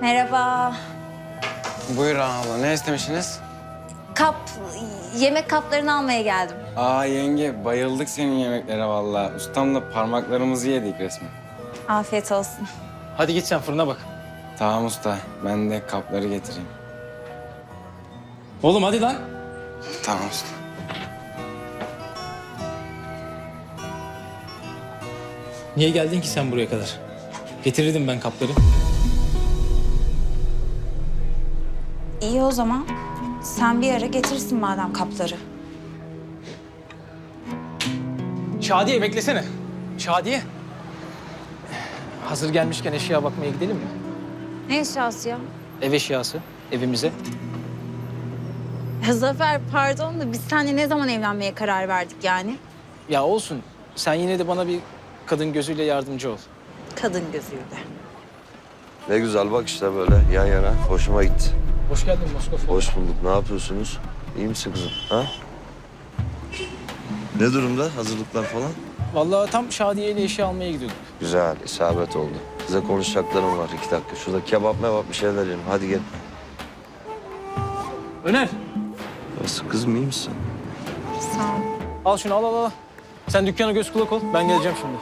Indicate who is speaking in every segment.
Speaker 1: Merhaba.
Speaker 2: Buyur abla, ne istemişsiniz?
Speaker 1: Yemek kaplarını almaya geldim.
Speaker 2: Aa yenge, bayıldık senin yemeklere vallahi. Ustamla parmaklarımızı yedik resmen.
Speaker 1: Afiyet olsun.
Speaker 3: Hadi git sen fırına bak.
Speaker 2: Tamam usta, ben de kapları getireyim.
Speaker 3: Oğlum hadi lan.
Speaker 2: Tamam usta.
Speaker 3: Niye geldin ki sen buraya kadar? Getirirdim ben kapları.
Speaker 1: İyi o zaman. Sen bir ara getirsin madem kapları.
Speaker 3: Şadiye beklesene. Şadiye. Hazır gelmişken eşya bakmaya gidelim mi?
Speaker 1: Ne eşyası ya?
Speaker 3: Ev eşyası. Evimize.
Speaker 1: Zafer pardon da biz seninle ne zaman evlenmeye karar verdik yani?
Speaker 3: Ya olsun. Sen yine de bana bir kadın gözüyle yardımcı ol.
Speaker 1: Kadın gözüyle.
Speaker 4: Ne güzel bak işte böyle yan yana. Hoşuma gitti.
Speaker 3: Hoş geldin Moskova.
Speaker 4: Hoş bulduk. Ne yapıyorsunuz? İyi misin kızım? Ha? Ne durumda? Hazırlıklar falan?
Speaker 3: Vallahi tam Şadiye ile eşya almaya gidiyorduk.
Speaker 4: Güzel, isabet oldu. Size konuşacaklarım var. 2 dakika. Şurada kebap mebap bir şeyler yiyelim. Hadi gel.
Speaker 3: Öner.
Speaker 4: Nasıl kızım, iyi misin?
Speaker 1: Sağ ol.
Speaker 3: Al şunu al. Sen dükkana göz kulak ol. Ben geleceğim şimdi.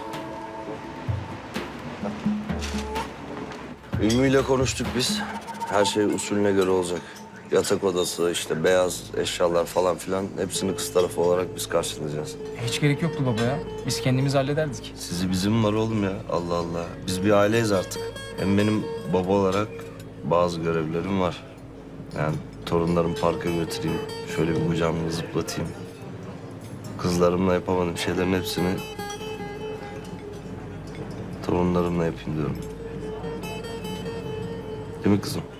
Speaker 4: Ümmü ile konuştuk biz. Her şey usulüne göre olacak. Yatak odası, işte beyaz eşyalar falan filan hepsini kız tarafı olarak biz karşılayacağız.
Speaker 3: Hiç gerek yoktu baba ya. Biz kendimiz hallederdik.
Speaker 4: Sizi bizim var oğlum ya. Allah Allah. Biz bir aileyiz artık. Hem benim baba olarak bazı görevlerim var. Yani torunlarımı parka götüreyim. Şöyle bir kucağımda zıplatayım. Kızlarımla yapamadığım şeylerin hepsini torunlarımla yapayım diyorum. Değil mi kızım?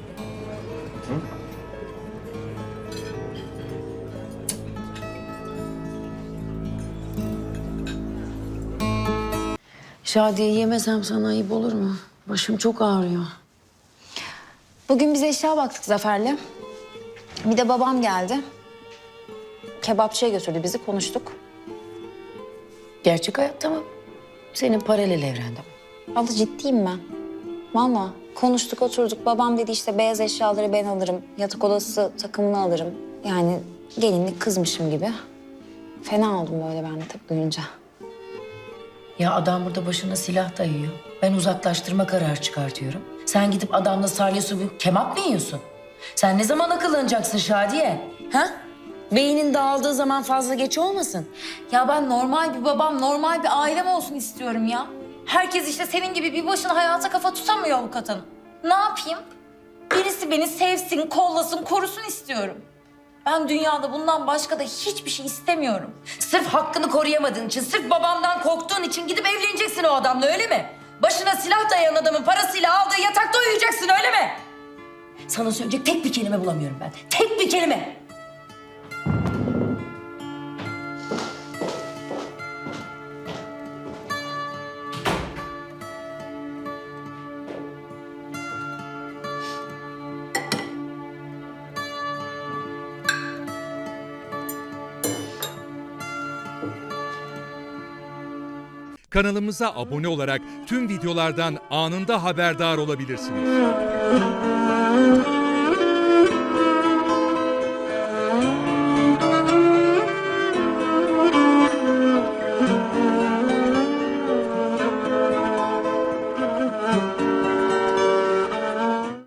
Speaker 5: Şadiye yemesem sana ayıp olur mu? Başım çok ağrıyor.
Speaker 1: Bugün biz eşya baktık Zafer'le. Bir de babam geldi. Kebapçıya götürdü bizi, konuştuk.
Speaker 5: Gerçek hayatta mı? Senin paralel evrende mi?
Speaker 1: Abla ciddiyim ben. Vallahi konuştuk, oturduk. Babam dedi işte beyaz eşyaları ben alırım. Yatak odası takımını alırım. Yani gelinlik kızmışım gibi. Fena oldum böyle ben de tabii duyunca.
Speaker 5: Ya adam burada başına silah dayıyor. Ben uzaklaştırma kararı çıkartıyorum. Sen gidip adamla salya bir kebap mı yiyorsun? Sen ne zaman akıllanacaksın Şadiye? Ha? Beynin dağıldığı zaman fazla geç olmasın.
Speaker 6: Ya ben normal bir babam, normal bir ailem olsun istiyorum ya. Herkes işte senin gibi bir başına hayata kafa tutamıyor avukat hanım. Ne yapayım? Birisi beni sevsin, kollasın, korusun istiyorum. Ben dünyada bundan başka da hiçbir şey istemiyorum.
Speaker 5: Sırf hakkını koruyamadığın için, sırf babamdan korktuğun için gidip evleneceksin o adamla öyle mi? Başına silah dayayan adamın parasıyla aldığı yatakta uyuyacaksın öyle mi? Sana söyleyecek tek bir kelime bulamıyorum ben. Tek bir kelime.
Speaker 7: Kanalımıza abone olarak tüm videolardan anında haberdar olabilirsiniz.